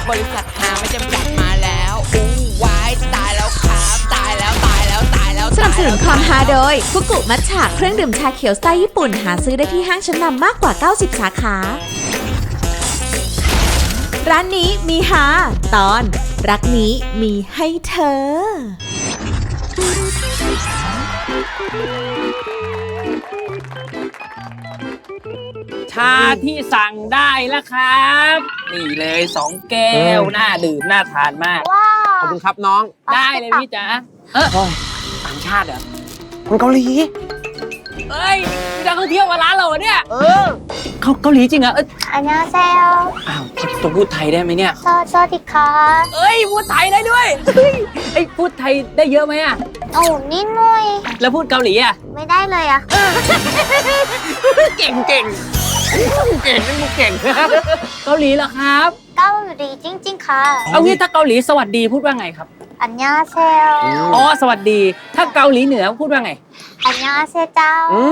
บริษัทหาไม่จำกัดมาแล้วอู้วายตายแล้วครับตายแล้วตายแล้วตายแล้วสนับสนุนความฮาโดยฟุกุมัทฉะเครื่องดื่มชาเขียวสไตล์ญี่ปุ่นหาซื้อได้ที่ห้างชั้นนำมากกว่า 90 สาขา ร้านนี้มีฮาตอนรักนี้มีให้เธอชาที่สั่งได้แล้วครับ นี่เลย2 แก้วน่าดื่มน่าทานมากขอบคุณครับน้องได้เลยพี่จ๋าต่างชาติเหรอคนเกาหลีเอ้ยมีนักท่องเที่ยวมาร้านเราเหรอเนี่ยเขาเกาหลีจริงเหรอ 안녕하세요. อ้าวจะพูดไทยได้ไหมเนี่ยสวัสดีค่ะเอ้ยพูดไทยได้ด้วยเฮ้ยไอ้พูดไทยได้เยอะไหมอะโอ้นิดหน่อยแล้วพูดเกาหลีอะไม่ได้เลยอะเก่งเก่งนี่มึงเก่งเกาหลีเหรอครับเกาหลีจริงๆค่ะเอางี้ถ้าเกาหลีสวัสดีพูดว่าไงครับ 안녕하세요. อ๋อสวัสดีถ้าเกาหลีเหนือพูดว่าไง 안녕하세요. 짱.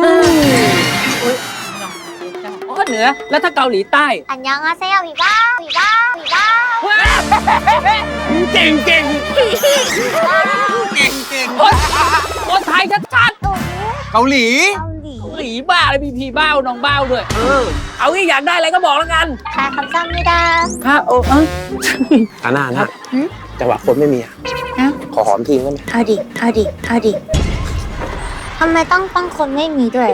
อ๋อเหนือแล้วถ้าเกาหลีใต้ 안녕하세요. 위바 위바 위바. เก่งคนไทยชัดเกาหลีเกาหลีๆหลีบ้าเลยมีพีบ้าน้องบ้าด้วย เอางี้อยากได้อะไรก็บอกแล้วกันค่ะ감사합니다. ครับโอ้อาน่านะจังหวะคนไม่มีอะขอหอมทีได้ไหมเอาดิทำไมต้องคนไม่มีด้วย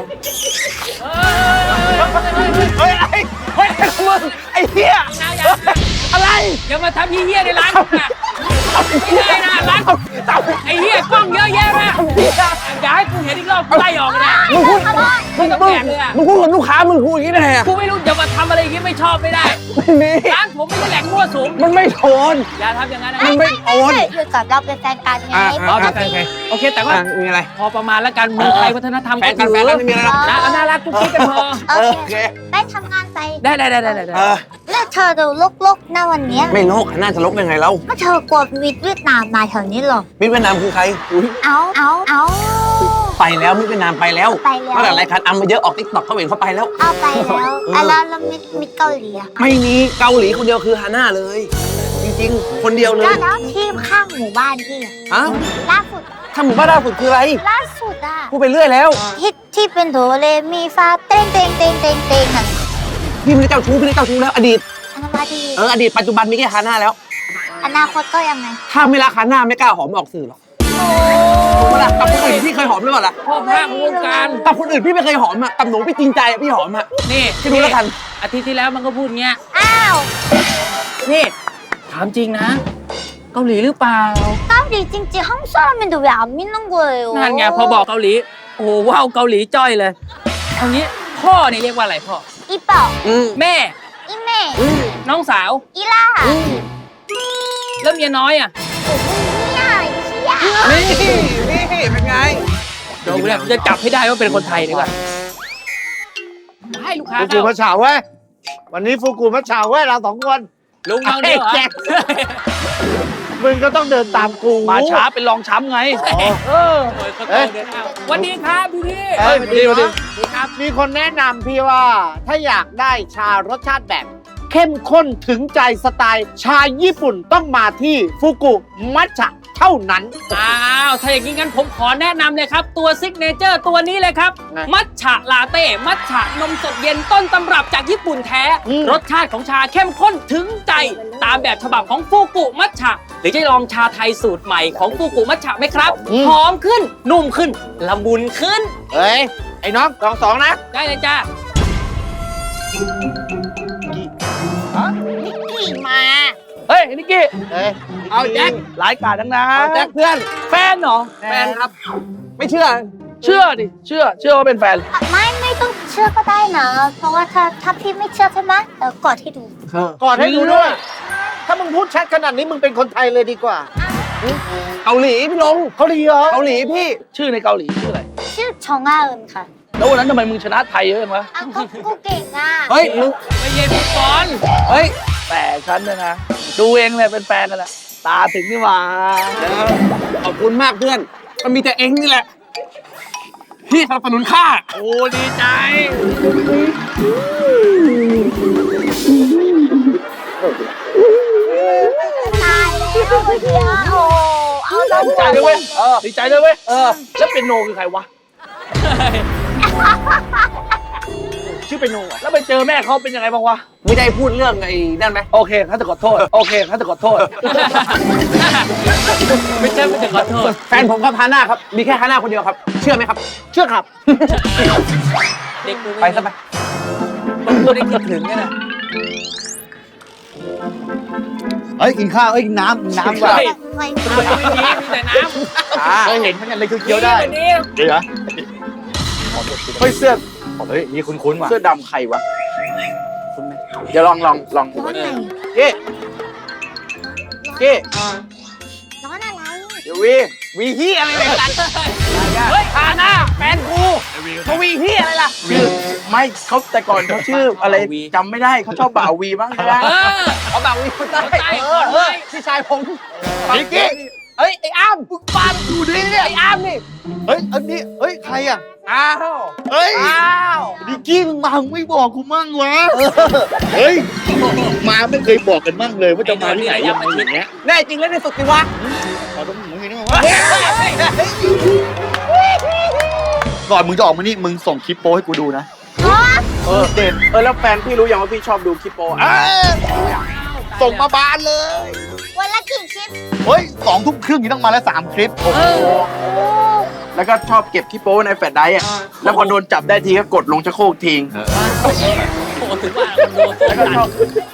เฮ้ยมึงไอ้เหี้ยอะไรอย่ามาทำเหี้ยในร้านผมนะไม่ได้นะร้านไอ้เหี้ยกล้องเยอะแยะมากอย่าให้กูเห็นอีกรอบกูไล่ออกนะมึงพูดไม่ต้องแบกเลยอะมึงพูดกับลูกค้ามึงพูดอย่างนี้ได้ไงอะกูไม่รู้อย่ามาทำอะไรอย่างงี้ไม่ชอบไม่ได้ไม่มีร้านผมไม่ใช่แหล่งมั่วสุมมันไม่โทนอย่าทำอย่างนั้นนะมันไม่โทนคือกับเราเป็นแฟนกันไงเอาปโอก เคติโอเคแต่ว่ามีอะไรพอประมาณแล้วกันเมืองไทยวัฒนธรรมแฟนกันไม่มีอะไรหรอกนะเอาน่ารักกุ๊กกิ๊กกันพอโอเคไปทำงานไปได้แล้วเธอดูลกๆนะวันเนี้ยไม่โลกน่าจะลกยังไงแล้วก็เธอกลัวมิดเวียดนามมาแถวนี้หรอมิตรเวียดนามคือใครเอาไปแล้วมิตรเวียดนามไปแล้วไปแล้วตั้งแต่รายการอัมมาเยอะออกติ๊กต็อกเขาเห็นเขาไปแล้วเอาไปแล้วแล้วมิดเกาหลีอะไม่มีเกาหลีคนเดียวคือฮาน่าเลย จริงๆ คนเดียวเลยแล้วที่ข้างหมู่บ้านพี่อะฮะล่าสุดถ้าหมู่บ้านล่าสุดคืออะไรล่าสุดอะพูดไปเรื่อยแล้วที่เป็นโดเรมีฟาเต้งนั่นพี่ไม่ได้เจ้าชู้แล้วอดีตอันนั้นมาดีอดีตปัจจุบันมีแค่ฮาน่าแล้วอนาคตก็ยังไงถ้าไม่รักฮาน่าไม่กล้าหอมออกสื่อหรอกเวลากับคนอื่นพี่เคยหอมหรือเปล่าล่ะพ่อภาควงการกับคนอื่นพี่ไม่เคยหอมอ่ะกับหนูพี่จริงใจอะพี่หอมอ่ะนี่คิดดูแล้วกันอาทิตย์ที่แล้วมันก็พูดเงี้ยอ้าวนี่ถามจริงนะ เกาหลีหรือเปล่าเกาหลีจริงๆ한국 사람인데 왜 안 믿는 거예요 นั่นไงพอบอกเกาหลี โอ้โหว้าวเกาหลีจ้อยเลยเอางี้พ่อนี่เรียกว่าอะไรพ่อ 이뻐 แม่ 이메 น้องสาว 이라 แล้วเมียน้อยอ่ะ 이야 이시야 นี่เป็นไงเดี๋ยวเนี่ยจะจับให้ได้ว่าเป็นคนไทยดีกว่าให้ลูกค้าฟูกูมัชฉาเว้ย วันนี้ฟูกูมัชฉาเว้ยเรา2 คนลุงเอาเดียวเหรอแจ็คมึงก็ต้องเดินตามกูมาช้าเป็นรองช้ำไงเออวันนี้ครับพี่พี่เฮ้ยสวัสดีดีครับมีคนแนะนำพี่ว่าถ้าอยากได้ชารสชาติแบบเข้มข้นถึงใจสไตล์ชาญี่ปุ่นต้องมาที่ฟูกุมัชฉะเท่านั้นอ้าวถ้าอย่างนี้งั้นผมขอแนะนำเลยครับ ตัวซิกเนเจอร์ตัวนี้เลยครับไงมัทฉะลาเต้มัทฉะนมสดเย็นต้นตำรับจากญี่ปุ่นแท้ รสชาติของชาเข้มข้นถึงใจ ตามแบบฉบับของฟูกุมัทฉะหรือจะลองชาไทยสูตรใหม่ของฟูกุมัทฉะไหมครับ หอมขึ้น นุ่มขึ้น ละมุนขึ้นเฮ้ย ไอ้น้องลอง2นะได้เลยจ้ากี่มาเฮ้ยนิกกี้เฮ้ยเอาแจ็คหลายกาดทั้งนั้เอานแจ็คเพื่อนแฟนเหรอแฟนครับ ไม่เชื่อเชื่อดิ เชื่อว่าเป็นแฟนไม่ต้องเชื่อก็ได้นะ เพราะว่าถ้าพี่ไม่เชื่อใช่ไหมเดี๋ยวกดให้ดูกอดให้ดูด้วย ถ้ามึงพูดชัดขนาดนี้มึงเป็นคนไทยเลยดีกว่าเกาหลีพี่ลงเขาดีเหรอเกาหลีพี่ชื่อในเกาหลีชื่ออะไรชื่อชองอาอึนค่ะแล้ววันนั้นทำไมมึงชนะไทยเยอะจังวะอ้าวก็เก่งอ่ะเฮ้ยมึงไม่เย็นฟุตบอลเฮ้ยแต่ฉันเนี่ยนะ ดูเองเลยเป็นแฟนกันแหละตาถึงนี่หว่าขอบคุณมากเพื่อน มันมีแต่เองนี่แหละ พี่สนับสนุนข้าโอ้ดีใจเใจเลยเว้ยดีใจเลยเว้ยแล้วเป็นโนคือใครวะชื่อเป็นโนอ่ะแล้วไปเจอแม่เขาเป็นยังไงบ้างวะไม่ได้พูดเรื่องไอ้นั่นไหมโอเคข้าจะขอโทษโอเคข้าจะขอโทษไม่ใช่ไม่ถึงขอโทษแฟนผมครับฮาน่าครับ มีแค่ฮาน่าคนเดียวครับ เชื่อไหมครับเชื่อครับเด็กดูไปซะไปไม่ได้คิดถึงกันนะเฮ้ยกินข้าวเอ้ยกินน้ำว่ะใช่ไม่ไม่มีแต่น้ำเคยเห็นมันเนี่ยเลยคือเคี้ยวได้วันนี้เดี๋ยวนะเฮ้ยเสื้อเฮ้ยนี่คุ้นๆว่ะเสื้อดำใครวะเดี๋ยวลองร้อนไหนเก้เก้ร้อนอะไรเดี๋ยววีฮีอะไรเนี่ยเฮ้ยฮาน่าแฟนกูเขาวีฮีอะไรล่ะชื่อไม่เขาแต่ก่อนเขาชื่ออะไรจำไม่ได้เขาชอบบ่าววีบ้างใช่ไหมเขาแบบวีคนใต้พี่ชายผมนิกกี้เฮ้ยไอ้อ้ามมึงฟังดูดิเนี่ยไอ้อ้ามนี่เฮ้ยอันนี้เฮ้ยใครอ่ะอ้าวเฮ้ยอ้าวดิกกี้มึงมามึงไม่บอกกูมั่งวะเฮ้ยมาไม่เคยบอกกันมั่งเลยว่าจะมาที่ไหนยังไงอย่างเงี้ยแน่จริงแล้วในสุดจริงวะขอต้องมึงนี่วะก่อนมึงจะออกมานี่มึงส่งคลิปโป้ให้กูดูนะเด็ดแล้วแฟนพี่รู้ยังว่าพี่ชอบดูคลิปโปส่งมาบานเลยวันละกี่คลิปเฮ้ย2 ทุ่มครึ่งนี่ต้องมาแล้ว3 คลิปแล้วก็ชอบเก็บคลิปโป้ในแฟลชไดรฟ์อ่ะแล้วพอโดนจับได้ทีก็กดลงชักโครกทิ้งโอ้ถึงว่าโดนตัวแล้วก็ชอบ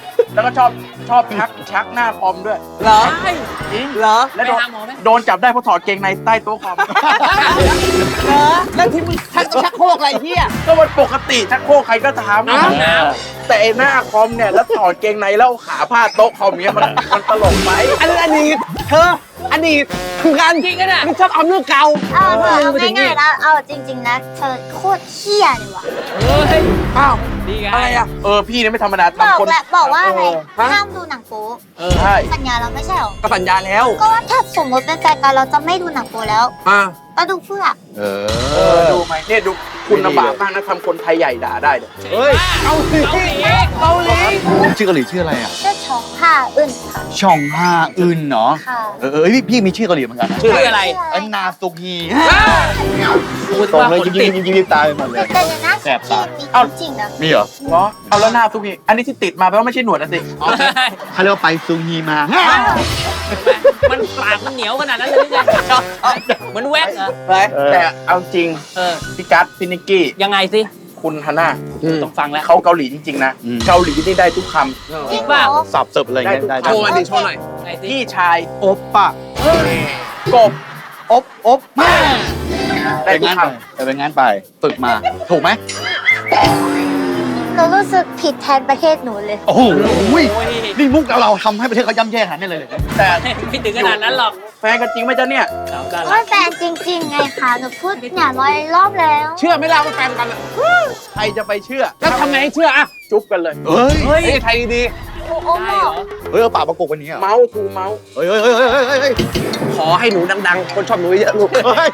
ชักหน้าคอมด้วยเหรอใช่เหรอแล้วไปหาหมอไหมโดนจับได้เพราะถอดเกงในใต้โต๊ะคอมเหรอแล้วที่มึงชักโครกอะไรเหี้ยก็มันปกติชักโครกใครก็ทำน้แต่ไอ้หน้าคอมเนี่ยแล้วถอดเกงในแล้วเอาขาพาดโต๊ะคอมเงี้ยมันตลกไหมอันนี้อดีตเธออดีตคืองานำจริงกันอ่ะมึงชอบเอาเรื่องเก่าเอาง่ายๆนะเอาจริงๆนะเธอโคตรเหี้ยเลยว่ะเฮ้ยอ้าวดีไงอะไรอ่ะพี่เนี่ยไม่ธรรมดาบอกทำคนแหละบอกว่าอะไรฮะห้ามดูหนังโป๊ใช่สัญญาเราไม่ใช่หรอก็สัญญาแล้วก็ว่าถ้าสมมติเป็นแฟนกันเราจะไม่ดูหนังโป๊แล้วอ่าก็ดูเพื่อดูไหมเนี่ยดูคุณลำบากมากนะทำคนไทยใหญ่ด่าได้เลยเฮ้ยเกาหลีเกาหลีชื่อเกาหลีชื่ออะไรอ่ะเชื่อชองผ้าอึนค่ะช่องห้าอึนเนาะค่ะพี่มีชื่อเกาหลีเหมือนกันนะชื่ออะไรอันนาซุฮีกูส่งว่าเลยคนยิ้ติดมตายไปหมดเลยแต่อย่างนั้นแสบตาที่มีจริงๆนะมีเหรอเหรอเอาแล้วหน้าทุกทีอันนี้ที่ติดมาแปลว่าไม่ใช่หนวดนะสิเขาเรียกว่าไปซุฮีมามันปากมันเหนียวขนาดนั้นเลยไงเหมือนแว็กเหรอแต่เอาจริงเออพี่กัสพี่นิกกี้ยังไงสิคุณฮาน่าต้องฟังแล้วเขาเกาหลีจริงๆนะ เกาหลีนี่ได้ทุกคจริงเปล่าเหรอสับเสิร์ฟอะไรเงี้ยได้โชว์มาดิโชว์หน่อยไงำสิพี่ชายโอปปะกบอบมาได้ไปทุกงานคไปไปงานไปฝึกมาถูกไหมหนูรู้สึกผิดแทนประเทศหนูเลยโอ้โหโอ้ยนี่มุกเราทำให้ประเทศเขาย่ำแย่ขนาดนี้เลยำแต่ไม่ถึงขนาดนั้นหรอกแฟนกันจริงไหมจ๊ะเนี่ยเอากันว่าแฟนจริงๆไงคะหนูพูดเนี่ย100 รอบแล้วเชื่อไหม่ล่ะว่าแฟนกันอะใครจะไปเชื่อแล้วทำไงให้เชื่ออ่ะจุ๊บกันเลยเฮ้ยเฮ้ยเฮ้ยไทยดีโอ้โหได้เหรอเฮ้ยเอาปากประกบวันนี้เหรอเมาส์ทูเมาส์เฮ้ยเฮ้ยเฮ้ยเฮ้ยเฮ้ยๆขอให้หนูดังๆ คนชอบหนูเยอะลูกเฮ้ย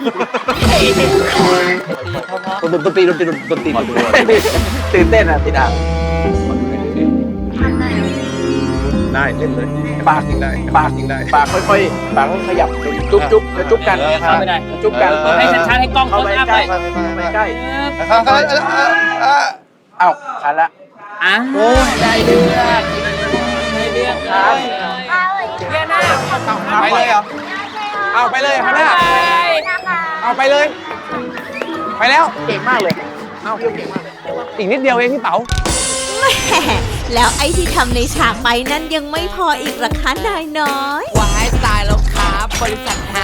ดนตรีตื่นเต้นอ่ะติดอ่ะทำไมได้เล่นเลยปากได้ปากปากค่อยๆปากค่อยๆขยับจุ๊บจะจุ๊บกันเข้าไม่ได้จุ๊บกันเปิดให้ชัดๆให้กล้องเข้าเขาไปอัพใกเลล้ยไปใกล้ เอ้าทันละอ่ะได้เลือกได้เลือกเลยเอาเลยเรียนหน้าไปเลยเหรอ เอาไปเลยฮาน่านะคะเอาไปเลย ไปแล้วเก่งมากเลยเอาอีกนิดเดียวเองพี่เต๋าแหมแล้วไอ้ที่ทำในฉากไปนั้นยังไม่พออีกเหรอคะนายน้อยวายตายแล้วครับบริษัทหา